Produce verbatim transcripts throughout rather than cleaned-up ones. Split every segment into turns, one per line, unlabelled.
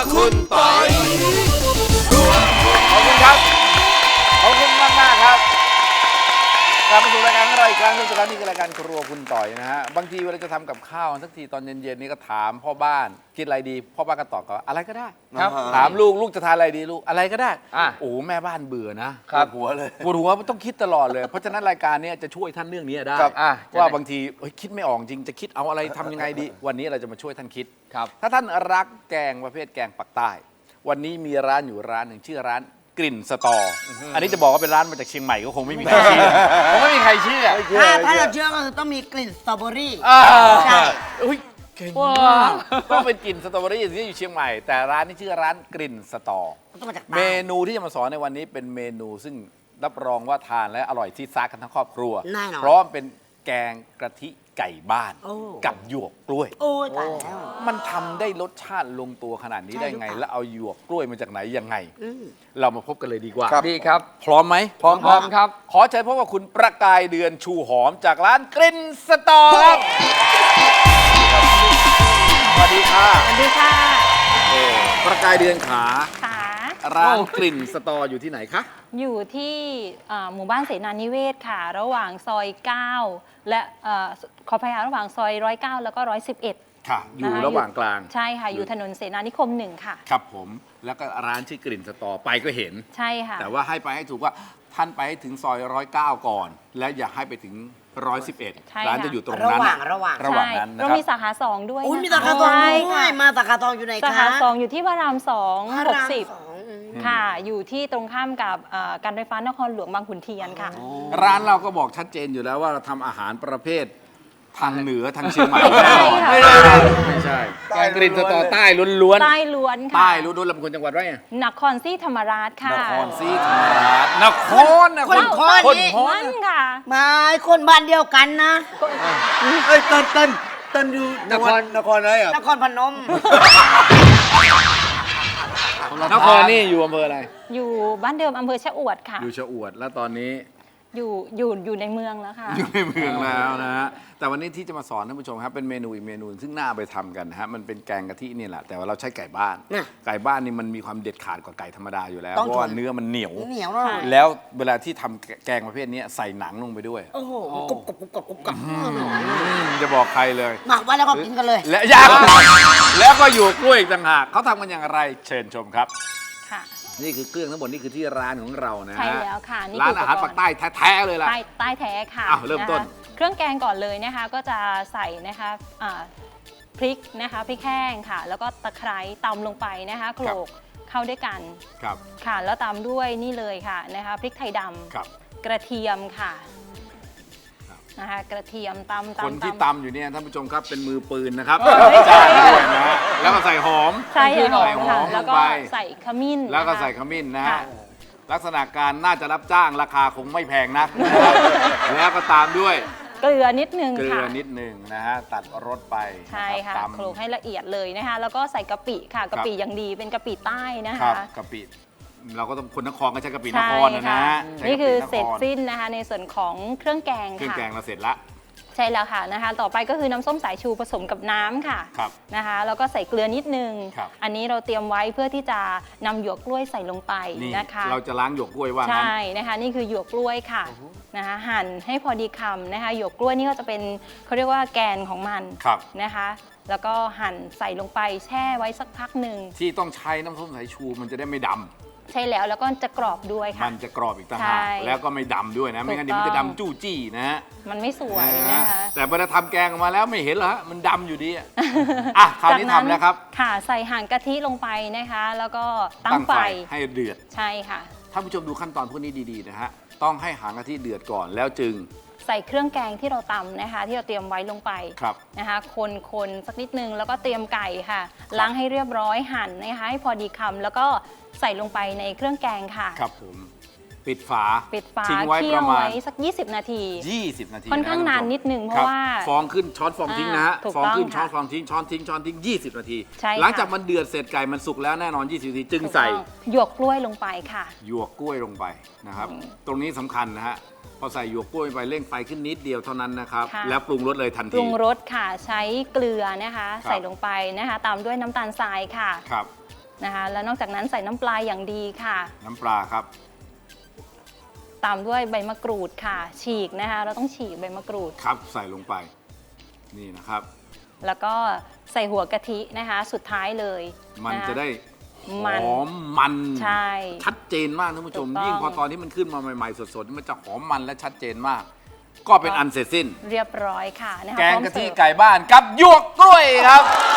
คุณปอย
ขอบคุณครับขอบคุณมากมากครับกลับมาสู่รายการของเราอีกครั้งทุกท่านนี่คือรายการครัวคุณต่อยนะฮะบางทีเวลาจะทำกับข้าวสักทีตอนเย็นๆนี่ก็ถามพ่อบ้านกินอะไรดีพ่อบ้านก็ตอบก็อะไรก็ได้ครับถามลูกลูกจะทานอะไรดีลูกอะไรก็ได้โอ้แม่บ้านเบื่อนะครับ
หัวเลย
ปวดหัวต้องคิดตลอดเลยเพราะฉะนั้นรายการนี้จะช่วยท่านเรื่องนี้ได้ว่าบางทีคิดไม่ออกจริงจะคิดเอาอะไรทำยังไงดีวันนี้เราจะมาช่วยท่านคิดถ้าท่านรักแกงประเภทแกงปักใต้วันนี้มีร้านอยู่ร้านหนึ่งชื่อร้านกลิ่นสตออันนี้จะบอกว่าเป็นร้านมาจากเชียงใหม่ก็คงไม่มีใครเชื่อคงไม่มีใครเชื่อ
ถ้าถ้าเราเชื่อก็คือต้องมีกลิ่นสตรอเบอรี่ใช่
อุ้ยเก่งมากต้องเป็นกลิ่นสตรอเบอรี่ที่อยู่เชียงใหม่แต่ร้านนี้ชื่อร้านกลิ่นสตอเมนูที่จะมาสอนในวันนี้เป็นเมนูซึ่งรับรองว่าทานและอร่อยที่ซักกันทั้งครอบครัวเพราะเป็นแกงกะทิไก่บ้านกับหยวกกล้วย
โอ้ยตายแล้ว
มันทำได้รสชาติลงตัวขนาดนี้ได้ไงแล้วเอาหยวกกล้วยมาจากไหนยังไงเรามาพบกันเลยดีกว่า
ดีครับ
พร้อมไหม
พร้อมพร้อมครับ
ขอเชิญพบกับคุณประกายเดือนชูหอมจากร้านกลิ่นสตอครับสวัสดีค่ะ
สวัสดีค่ะ
ประกายเดือนขา
ค่ะ
ร้านกลิ่นสตออยู่ที่ไหนคะ
อยู่ที่หมู่บ้านเสนานิเวศค่ะระหว่างซอยเก้าและขอพยาระหว่างซอยร้อยเก้าแล้วก็ร้อยสิบเอ็ด
ค่ะอยู่ระหว่างกลาง
ใช่ค่ะอยู่ถนนเสนานิคมหนึ่งค่ะ
ครับผมแล้วก็ร้านชื่อกลิ่นสตอไปก็เห็น
ใช่ค่ะ
แต่ว่าให้ไปให้ถูกว่าท่านไปให้ถึงซอยร้อยเก้าก่อนและอย่าให้ไปถึงร้อยสิบเอ็ดร้านจะอยู่ตรงนั้น
ระหว่างระหว่าง
ระหว่างนั้น
เรามีสาขาสองด้วย
มีสาขาสองด้วยมาสาขาสองอยู่ไหนคะ
สาขาสองอยู่ที่พระรามสองหกสิบค่ะอยู่ที่ตรงข้ามกับการไฟฟ้านครหลวงบางขุนเทียนค่ะ
ร้านเราก็บอกชัดเจนอยู่แล้วว่าเราทำอาหารประเภททางเหนือทางเชียงใหม่
ไม่
ใช่ไม่ใช่แกงกลิ่นสตอใต้ล้วน
ๆใต้ล้วนค่ะ
ใต้ล้วนๆลำพูนจังหวัดไร
นครศรีธรรมราชค่ะ
นครศรีธรรมราชนครนคร
คน
คนค่ะ
มาคนบ้านเดียวกันนะ
เอ้ยเต้นเต้นเต้นอยู่นครนครอะไรอ่ะ
นครพนม
นครนี่อยู่อำเภออะไร
อยู่บ้านเดิมอำเภอชะอวดค่ะ
อยู่ชะอวดแล้วตอนนี้
อยู่อยู่อยู่ในเมืองแล้วค่ะ
อยู่ในเมืองแล้วนะฮะแต่วันนี้ที่จะมาสอนท่านผู้ชมครับเป็นเมนูอีกเมนูซึ่งน่าไปทำกันนะฮะมันเป็นแกงกะทินี่แหละแต่ว่าเราใช้ไก่บ้านไก่บ้านนี่มันมีความเด็ดขาดกว่าไก่ธรรมดาอยู่แล้วเพราะว่าเนื้อมันเหนียว
เหนียว
แล้วเวลาที่ทำแกงประเภทนี้ใส่หนังลงไปด้วย
โอ้โหกรุบกรุบกรุบกรุบกรุบ
จะบอกใครเลย
หมักไว้แล้วก็กินกันเลย
และยากแล้วก็อยู่กล้วยอีกต่างหากเขาทำกันอย่างไรเชิญชมครับนี่คือเครื่องทั้งหมดนี่คือที่ร้านของเรานะ
ใช่แล้วค่ะ
นี่ร้านอาหารปากใต้แท้ๆเลยล่ะ
ใต้ใต้แท้ค่ะ
เริ่มต้น
เครื่องแกงก่อนเลยนะคะก็จะใส่นะคะพริกนะคะพริกแห้งค่ะแล้วก็ตะไคร้ตำลงไปนะคะโขลกเข้าด้วยกัน
ครับ
ค่ะแล้วตามด้วยนี่เลยค่ะนะคะพริกไทยดำกระเทียมค่ะนะคะกระเทียมตำตำ
คนที่ตำอยู่เนี่ยท่านผู้ชมครับเป็นมือปืนนะครับจ้างด้วยนะแล้วก็ใส่หอม
ใส่หอมค่ะแล้วก็ใส่ขมิ้น
แล้วก็ใส่ขมิ้นนะฮะลักษณะการน่าจะรับจ้างราคาคงไม่แพงนักแล้วก็ตามด้วย
เกลือนิดนึงค่ะ
เกลือนิดนึงนะฮะตัดรสไป
ใช่ค่ะโขลกให้ละเอียดเลยนะคะแล้วก็ใส่กะปิค่ะกะปิอย่างดีเป็นกะปิใต้นะคะ
กะปิเราก็ต้องคนนครก็ใช้กะปินครนะนะ
นี่คือเสร็จสิ้นนะคะในส่วนของเครื่องแกงค่ะ
เครื่องแกงเราเสร็จละ
ใช่แล้วค่ะนะคะต่อไปก็คือน้ำส้มสายชูผสมกับน้ำค่ะนะคะแล้วก็ใส่เกลือนิดนึงอันนี้เราเตรียมไว้เพื่อที่จะนำหยวกกล้วยใส่ลงไปนะคะ
เราจะล้างหยวกกล้วยว่า
ใช่นะคะนี่คือหยวกกล้วยค่ะนะคะหั่นให้พอดีคำนะคะหยวกกล้วยนี่ก็จะเป็นเขาเรียกว่าแกนของมันนะคะแล้วก็หั่นใส่ลงไปแช่ไว้สักพักหนึ่ง
ที่ต้องใช้น้ำส้มสายชูมันจะได้ไม่ดำ
ใช่แล้วแล้วก็จะกรอบด้วยค่ะ
มันจะกรอบอีกต่างหากแล้วก็ไม่ดำด้วยนะไม่งั้นเดี๋ยวมันจะดำจู้จี้นะฮะ
มันไม่สวยนะคะ
แต่เวลาทำแกงออกมาแล้วไม่เห็นเหรอมันดำอยู่ดีอ่ะคราวนี้ทำแล้วครับ
ค่ะใส่ห่างกะทิลงไปนะคะแล้วก็ตั้งไฟ
ให้เดือด
ใช่ค่ะ
ท่านผู้ชมดูขั้นตอนพวกนี้ดีๆนะฮะต้องให้หางกะทิเดือดก่อนแล้วจึง
ใส่เครื่องแกงที่เราตำนะคะที่เราเตรียมไว้ลงไปนะคะคนคนสักนิดนึงแล้วก็เตรียมไก่ค่ะล้างให้เรียบร้อยหั่นนะคะให้พอดีคำแล้วก็ใส่ลงไปในเครื่องแกงค่ะ
ครับผมปิดฝา
ปิดฝาเคี่ยวไว้สักยี่สิบนาที
ยี่สิบนาที
ค่อนข้างนานนิดนึงเพราะว่า
ฟองขึ้นช้อนฟองทิ้งนะฮะฟองขึ้นช้อนฟองทิ้งช้อนทิ้งช้อนทิ้งยี่สิบนาทีหลังจากมันเดือดเสร็จไก่มันสุกแล้วแน่นอนยี่สิบนาทีจึงใส่
หยวกกล้วยลงไปค่ะ
หยวกกล้วยลงไปนะครับตรงนี้สำคัญนะฮะพอใส่หยวกกล้วยไปเร่งไฟขึ้นนิดเดียวเท่านั้นนะครับแล้วปรุงรสเลยทันที
ปรุงรสค่ะใช้เกลือนะคะใส่ลงไปนะคะตามด้วยน้ำตาลทรายค่ะ
ครับ
นะคะแล้วนอกจากนั้นใส่น้ำปลาอย่างดีค่ะ
น้ำปลาครับ
ตามด้วยใบมะกรูดค่ะ ฉีกนะคะเราต้องฉีกใบมะกรูด
ครับใส่ลงไปนี่นะครับ
แล้วก็ใส่หัวกะทินะคะสุดท้ายเลย
มัน
ค
จะได้ห
มัน
อมมัน
ใช่
ชัดเจนมากท่านผู้ชม
ถูกต้อง
ยิ่งพอตอนที่มันขึ้นมาใหม่ๆสดๆมันจะหอมมันและชัดเจนมาก ก็เป็นอันเสร็จสิ้น
เรียบร้อยค่ะนะคะ
แกง
พร้อม
กะทิ
เสิร์ฟ
ไก่บ้านกับหยวกกล้วยครับ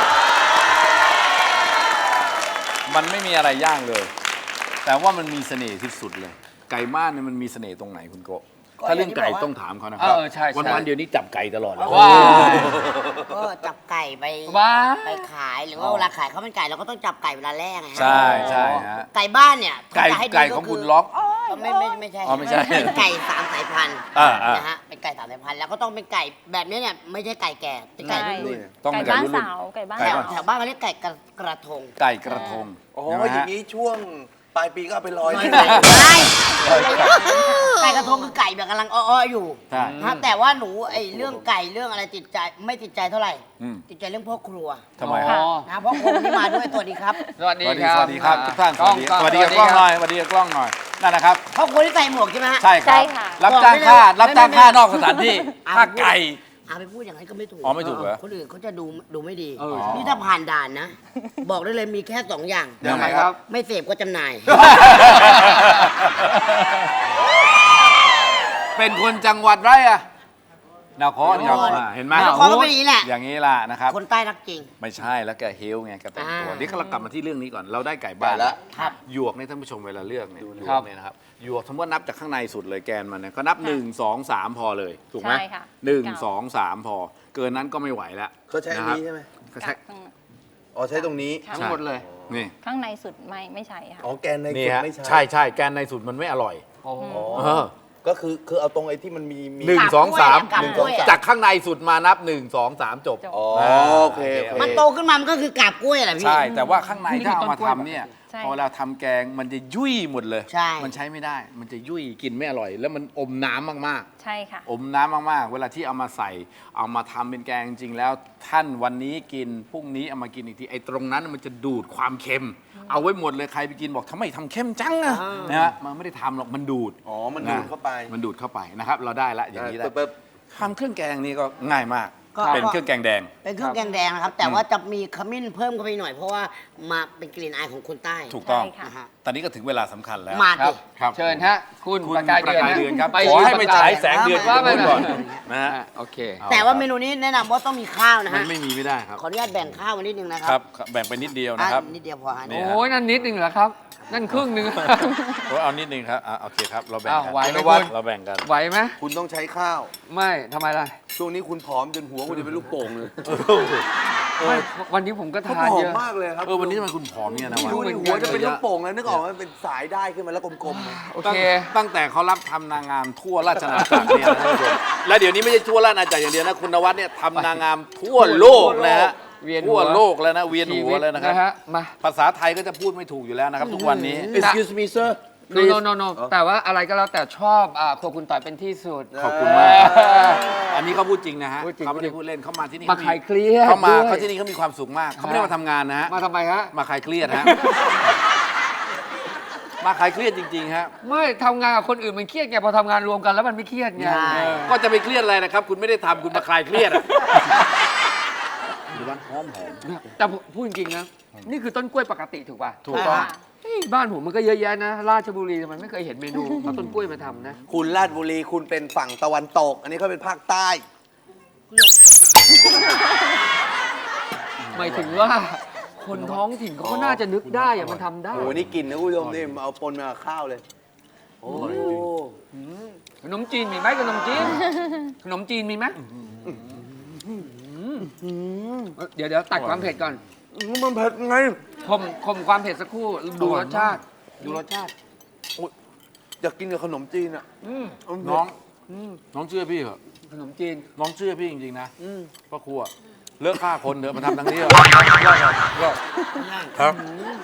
มันไม่มีอะไรย่างเลย แต่ว่ามันมีเสน่ห์ที่สุดเลย ไก่บ้านเนี่ยมันมีเสน่ห์ตรงไหนคุณโกะถ้าเรื่องไก่ต้องถามเขานะครับ
เออใช่ใช่
วันๆเดี๋ยวนี้จับไก่ตลอดเลย
ว้าว
ก็จับไก่ไป
ว้า
ไปขายหรือว่าเวลาขายข้าวมันไก่เราก็ต้องจับไก่เวลาแรกไงฮะ
ใช่ใช่ฮะ
ไก่บ้านเนี่ย
ไก่
ถ้าจะให้ดี
ไก่ของคุณล็อก
ก็ไม่ไม่ไม่ใช่
อ๋อไม่ใช่
เป็นไก่สามสายพันธุ์
อ่าอ่าน
นะฮะเป็นไก่สามสายพันธุ์แล้วก็ต้องเป็นไก่แบบนี้เนี่ยไม่ใช่ไก่แก่เป็นไก่
ใช่
รุ่น
ต้อง
ไก่
เป็นไก่
บ้าน
รุ่น
สาวไก่บ้าน
ไก่
ๆแถ
บ้
วแถวบ้านเขาเรียกไก่กระกระทง
ไก่กระทง
อ๋อ
ใช่ไหม
อย่า
ฮะ
งนี้ช่วงปลายปีก็เอาไปลอย
ลอย
ที่
ไก่
ไหน
ไก่กระทงคือไก่แบบกำลังอ้อๆอยู่
ใช่
นะแต่ว่าหนูไอ้เรื่องไก่เรื่องอะไรติดใจไม่ติดใจเท่าไหร่
อืม
ติดใจเรื่องพ่อครัว
ทำไม
อ๋
ฮะ
อ
นะพ่อครัววันนี้มาด้วยตัวดีครับ
สวัส
ส
ดี
วัสดี
ครับ
สวัสดีครับทุกท่านส
กล้
วั
อง
สดี
กล้อง
สวัสดีกับกล้องหน่อยสวัสดีกับกล้องหน่อยนั่นนะครับ
พ่อครัวที่ใส่หมวกใช่ไหมฮะ
ใช่ค
ใช่
รับ
ค่ะ
รับจ้างค่า
บอกไม่ได้
รับจ้าง
ไม่ไม่
ค่านอกสถานที่ค่าไก่
อาไปพูดอย่างนั้นก็ไม่ถูก
อ๋อไม่ถูกเหรอ
คนอื่นเขาจะดูดูไม่ดี
เออ
นี่ถ้าผ่านด่านนะ บอกได้เลยมีแค่สองอย่าง
ยังไง
ครับ
ไม่เสพก็จำหน่าย
เป็นคนจังหวัดไรอะนครครับ
นคร
อ่าเห็นไหม
นครก็เป็นอย่างนี้แหละ
อย่างนี้ล่ะนะครับ
คนใต้รักจริง
ไม่ใช่แล้วแกเฮลไงแกแต่งตัว
อ่า
นี่เรากลับมาที่เรื่องนี้ก่อนเราได้ไก่บ้าน
ไก่ละ
ครับ
หยวกเนี่ยท่านผู้ชมเวลาเลือกเนี่ยหยว
ครั
ก
บ
เนี่ยนะครับหยวกสมมติว่านับจากข้างในสุดเลยแกนมันเนี่ยก็นับหนึ่งสองสามพอเลยถูกไหม
ใช่ค่ะ
หนึ่ง
เก้า
สองสามพอ เกินนั้นก็ไม่ไหวแล้ว
เขาใช้อันนี้ใช่ไหม
เขาใช้
ข้าง
อ๋อใช้ตรงนี้
ค่ะ
ทั้งหมดเลย
นี่
ข้างในสุดไม่ไม่ใช่ค่ะ
อ๋อแกนใน
นี่
สุด
ฮะ
ไม่ใช่
ใช่ใช่แกนในสุดมันไม่อร่อย
โอ้โห
อ๋อ
เออ
ก็คือคือเอาตรงไอ้ที่มันมีมี
หนึ่งสองสาม
กาบ
หนึ่ง
ก
ส
ล้
อง
วย
สาม
อะ
จากข้างในสุดมานับหนึ่งสองสามจบ
จบ
อ๋อโอเคโอเค
มันโตขึ้นมามันก็คือกาบกล้วยแหละพี่
ใช่ แต่ว่าข้างใน
นี่
ถ้า
คือ
เอามา
ต้นกล้วย
ทำเนี่ย
ใช่
พอเราทำแกงมันจะยุ่ยหมดเลย
ใช่
มันใช้ไม่ได้ มันจะยุ่ยกินไม่อร่อย แล้วมันอมน้ำมาก
ใช่ค่ะ
ๆ อมน้ำมากๆ เวลาที่เอามาใส่ เอามาทำเป็นแกงจริงๆแล้ว ท่านวันนี้กินพรุ่งนี้เอามากินอีกทีไอ้ตรงนั้นมันจะดูดความเค็ม เอาไว้หมดเลยใครไปกินบอกทำไมทำเค็มจังอะนะฮะมันไม่ได้ทำหรอกมันดูด
อ๋อมันดูดเข้าไป
มันดูดเข้าไปนะครับ เราได้ละอย่างนี้ได้
เปิบ
ทำเครื่องแกงนี่ก็ง่ายมาก
ก็
เป็นเครื่องแกงแดง
เป็นเครื่องแกงแดงนะครับ แต่ว่าจะมีขมิ้นเพิ่มเข้าไปหน่อยเพราะว่ามาเป็นกลิ่นอายของคนใต้
ถูกต้อง
ใช่ค่ะ
นะฮะ
ตอนนี้ก็ถึงเวลาสำคัญแล้ว
มา
ครั
ดิ
บ
ครับ
เชิญฮะ คุณ
คุณ
ประกาย
ประกาย
เดื
เดื
อ
อน น
ค
ค
รั
รั
บบ
ขอให้ไปฉายแสงเดือน
ว่า
ที่
ไป
นู่นก่อนนะฮะ
อ่ะโอเค
แต่ว่าเมนูนี้แนะนำว่าต้องมีข้าวนะ
มั
ฮะ
นไม่มีไม่ได้ครับ
ขออนุญาตแบ่งข้าวมานิดนึงนะค
ค
รั
รับ บ แบ่งไปนิดเดียว
อ่ะ
นะครับ
นิดเดียวพอฮะ
นี่
โอ้ยนั่นนิดนึงเหรอครับ นั่นครึ่งหนึง
โอ้ยเอานิดนึงครับอ่ะโอเคครับ เราแบ่ง
อ้าว
กั
ไหวไหม
นวัด
คุณ
เราแบ่งกัน
ไหวไหม
คุณต้องใช้ข้าว
ไม่ทำไมล่ะ
ช่วงนี้คุณผอมจนหัวคุณจะเป็นลูกโป่งเลย
ไม่วันนี้ผมก็
เขา
ทาน
ผอ
เย
ม
อะ
มากเลยครับ
เออวันนี้ทำไมคุณผอมเนี่ยนะวะ
ดูในหัวจะเป็นลูกโป่งเลยนึกออกไหมมันเป็นสายได้ขึ้นมาแล้วกลมๆเลย
โอ
ตั้ง
เค
ตั้งแต่เขารับทำนางงามทั่วราชอาณาจักรเนี่ยนะท่านผู้ชมและเดี๋ยวนี้ไม่ใช่ทั่วราชอาณาจักรอย่างเดียวนะคุณนวัดเนี่ยทำนางงามทั่วโลกนะฮะ
เวียนหัว
ทั่วโลกแล้วนะเวียนหัวแล้วนะครับ
ฮะมา
ภาษาไทยก็จะพูดไม่ถูกอยู่แล้วนะครับ ทุกวันนี้
Excuse me sir
โนโนโนโนแต่ว่าอะไรก็แล้วแต่ชอบอ่าครัวคุณต่อยเป็นที่สุด
ขอบคุณมาก อันนี้เขาพูดจริงนะฮะ
พูดจริง
เขาไม่ได้พูดเล่นเขามาที่นี่
มาคลายเครียด
เขามา
ด้วย
เขาที่นี่เขามีความสุขมากเขาไม่ได้มาทำงานนะฮะ
มาทำไมฮะ
มาคลายเครียดฮะ มาคลายเครียดจริงๆฮะ
ไม่ทำงานกับคนอื่นมันเครียดไงพอทำงานรวมกันแล้วมันไม่เครียดไง
ใช่
เออ
ก็จะไปเครียดอะไรนะครับ คุณไม่ได้ทำคุณมาคลายเครียดอ่ะดูบ้านหอมหอม
แต่ผมพูดจริงๆนะ นี่คือต้นกล้วยปกติถูกป่ะ
ถูกต้อง
ค่ะ
เฮ้ยบ้านผมมันก็เยอะแยะนะ ราชบุรีทำไมไม่เคยเห็นเมนูเอาต้นกล้วยมาทำนะ
คุณราชบุรีคุณเป็นฝั่งตะวันตก อันนี้เขาเป็นภาคใต้
หมายถึงว่าคนท้องถิ่นเขาก็น่าจะนึกได้อะมันทำได้
โอ้โหนี่กินนะคุณผู้ชมนี่เอาปนมากับข้าวเลย โอ้
ขนมจีนมีไหมขนมจีน ขนมจีนมีไหมเดี๋ยวเดี๋ยวตัดความเผ็ดก่อน
มันเผ็ดไง
ข่มข่มความเผ็ดสักครู่ดูรสชาติ ดูรสชาติ
อยากกินกับขนมจีนอ่ะ
อืม
น้องน้องเชื่อพี่เหรอ
ขนมจีน
น้องเชื่อพี่จริงๆนะ
อืม
พ่อครัวเลิกฆ่าคนเถอะมาทำทางนี้เถอะครับ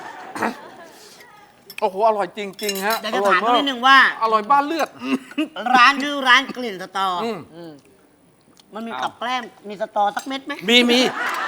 โอ้โหอร่อยจริงๆฮะ
แต่จะถามเขานิดนึงว่า
อร่อยบ้านเลือด
ร้านชื่อร้านกลิ่นสตออ
อืม
มันมีกับแกล้มมีสตอสักเม็ดไหม
มีมี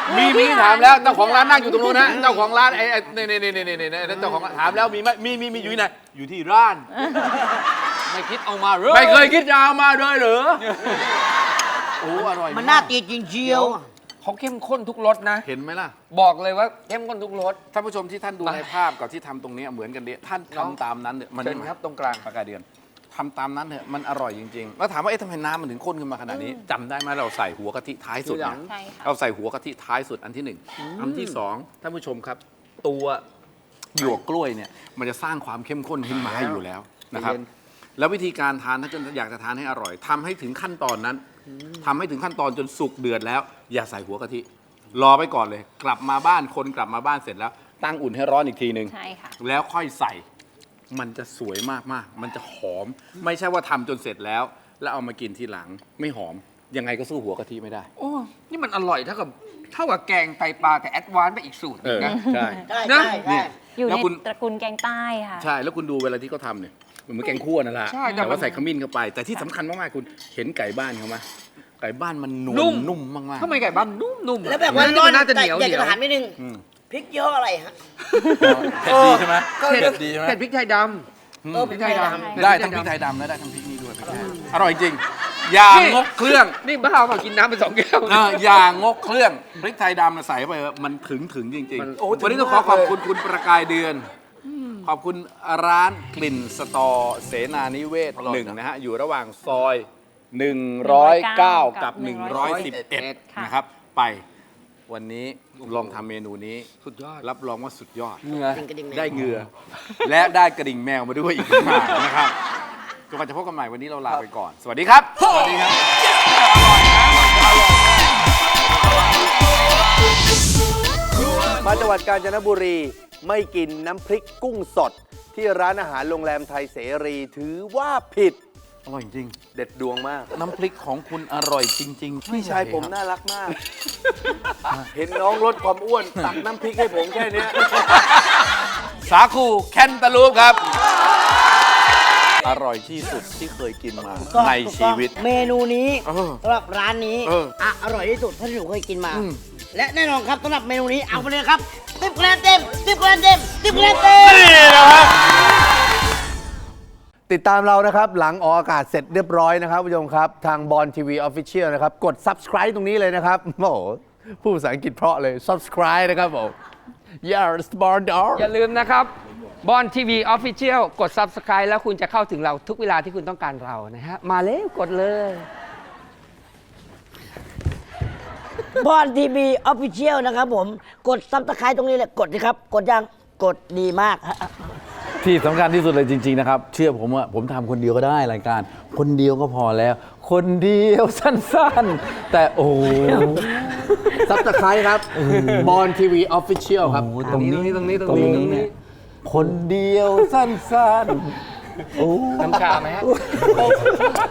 มีมีถามแล้วเจ้าของร้านนั่งอยู่ตรงนู้นนะเจ้าของร้านไอ้ไอ้นี่นี่นี่นี่นี่เจ้าของถามแล้วมีไหมมีมีมีอยู่ที่ไหนอยู่ที่ร้าน
ไม่คิดเอามาเลย
ไม่เคยคิดจะเอามาเลยเหรอโอ้อร่อย
มันน่าตีจริงเชียว
เขาเข้มข้นทุกรสนะ
เห็นไหมล่ะ
บอกเลยว่าเข้มข้นทุกรส
ท่านผู้ชมที่ท่านดูในภาพกับที่ทำตรงนี้เหมือนกันเดียท่านทำตามนั้นเนี่ยมัน
เชิญครับตรงกลาง
ปากกาเดือนทำตามนั้นเถอะมันอร่อยจริงๆแล้วถามว่าเอ๊ะทำไมน้ำมันถึงข้นขึ้นมาขนาดนี้จำได้ไหมเราใส่หัวกะทิท้ายสุดเนี่ย
ใช่ค่ะ
เราใส่หัวกะทิท้ายสุดอันที่หนึ่งอันที่สองท่านผู้ชมครับ ตัวหยวกกล้วยเนี่ยมันจะสร้างความเข้มข้นขึ้นมาให้อยู่แล้วนะครับ แล้ววิธีการทานถ้าเกิดอยากจะทานให้อร่อยทำให้ถึงขั้นตอนนั้นทำให้ถึงขั้นตอนจนสุกเดือดแล้ว อย่าใส่หัวกะทิ รอไปก่อนเลย กลับมาบ้านคนกลับมาบ้านเสร็จแล้ว ตั้งอุ่นให้ร้อนอีกทีหนึ่ง
ใช่ค่ะ
แล้วค่อยใส่ มันจะสวยมากๆ มันจะหอม ไม่ใช่ว่าทำจนเสร็จแล้ว แล้วเอามากินทีหลังไม่หอม ยังไงก็สู้หัวกะทิไม่ได้
โอ้ นี่มันอร่อยเท่ากับเท่ากับแกงไตปลาแต่แอดวานซ์ไปอีกสูตรห
เอ
นึ่ง
อ
นะ
ใช่
ใช่
นะ
ใช่ใช่
เนี่ย
อยู่
แล้ว
ใน
คุณ
ตระกูลแกงใต้ค่ะ
ใช่ แล้วคุณดูเวลาที่เขาทำเนี่ยเหมือนแกงคั่วนั่นแหละ
ใช่แต่
แต่
มั
ว่าน ใส่ขมิ้นเข้าไป แต่ที่สำคัญมากๆคุณเห็นไก่บ้านเขาไหมไก่บ้านมันนว
นุ่
ล
ม
นุ่มมากๆ
ทำไมไก่บ้านนุ่มๆอะ
แล้วแบบว่า
นี่
ร้อน
มันน่าจะเห
แต่
นียว
อยาก
เหนี
จะ
ยว
ถามนิดนึง
อืม
พริกเยอะอะไรฮะ
เผ็ดดีใช่ไหม
เผ็ด
เผ็ดดีใช่ไหม
เผ็ดพริกไทยด
เออ
ำ
พริกไทยดำ
ได้ทั้งพริกไทยดำและได้ทั้งพริกนี่ด้วยพริกไทยอร่อยจริง อย่างงกเครื่อง
นี่บ้าเปล่ากินน้ำไปสองแก้ว
เอออย่างงกเครื่องพริกไทยดำน่ะใส่เข้าไปเถอะมันถึงถึงจริง
มัน
ๆวันนี้ต้องขอขอบคุณคุณประกายเดือน ขอบคุณร้านกลิ่นสตอเสนานิเวศหนึ่งนะฮะ อยู่ระหว่างซอยหนึ่งร้อยเก้ากับหนึ่งร้อยสิบเอ็ดนะครับ ไปวันนี้ลองทำเมนูนี้
สุดยอด
รับรองว่าสุดยอด
เหงื่อ
จริงกระดิ่งแมว
ได้เหงื่อ และได้กระดิ่งแมวมาด้วยอีกต่างหากนะครับจนกว่าจะพบกันใหม่วันนี้เราลาไปก่อน สวัสดีครับ สวัสดีครับ
มาจังหวัดกาญจนบุรีไม่กินน้ำพริกกุ้งสด ที่ร้านอาหารโรงแรมไทยเสรีถือว่าผิด
อร่อยจริง
เด็ดดวงมาก
น้ำพริกของคุณอร่อยจริงๆ
พี่ชายผมน่ารักมาก เห็นน้องลดความอ้วนตักน้ำพริกให้ผมแค่เนี้ย
สาคูแคนตาลูปครับ อร่อยที่สุดที่เคยกินมา
ก็
ในชีวิต
เมนูนี้
เออ
สำหรับร้านนี้
เออ
อ่ะอร่อยที่สุดเท่าที่หนูเคยกินมา
อืม
และแน่นอนครับสำหรับเมนูนี้เอาไปเลยครับสิบคะแนนเต็มสิบคะแนนเต็มสิบคะแนนเต็ม
นี่นะครับ
ติดตามเรานะครับ หลังออกอากาศเสร็จเรียบร้อยนะครับผู้ชมครับ ทางบอลทีวีออฟฟิเชียลนะครับ กด subscribe ตรงนี้เลยนะครับ โอ้โหพูดภาษาอังกฤษเพราะเลย subscribe นะครับผม yes born dog
อย่าลืมนะครับบอลทีวีออฟฟิเชียลกด Subscribe แล้วคุณจะเข้าถึงเราทุกเวลาที่คุณต้องการเรานะฮะ มาแล้วกดเลย
บอลทีวีออฟฟิเชียลนะครับผมกดซับสไครต์ตรงนี้เลยกดสิครับ กดยังกดดีมากฮะ
ที่สำคัญที่สุดเลยจริง ๆ นะครับ เชื่อผมว่าผมทำคนเดียวก็ได้รายการ คนเดียวก็พอแล้ว คนเดียวสั้นๆ แต่โอ้โห
subscribe ครับบอลทีวีออฟฟิเชียลครับ
ตรงนี้
ตรงนี้ตรงนี้ตรงนี้
เนี่ยคนเดียวสั้นๆ
น้ำชาไหมฮะ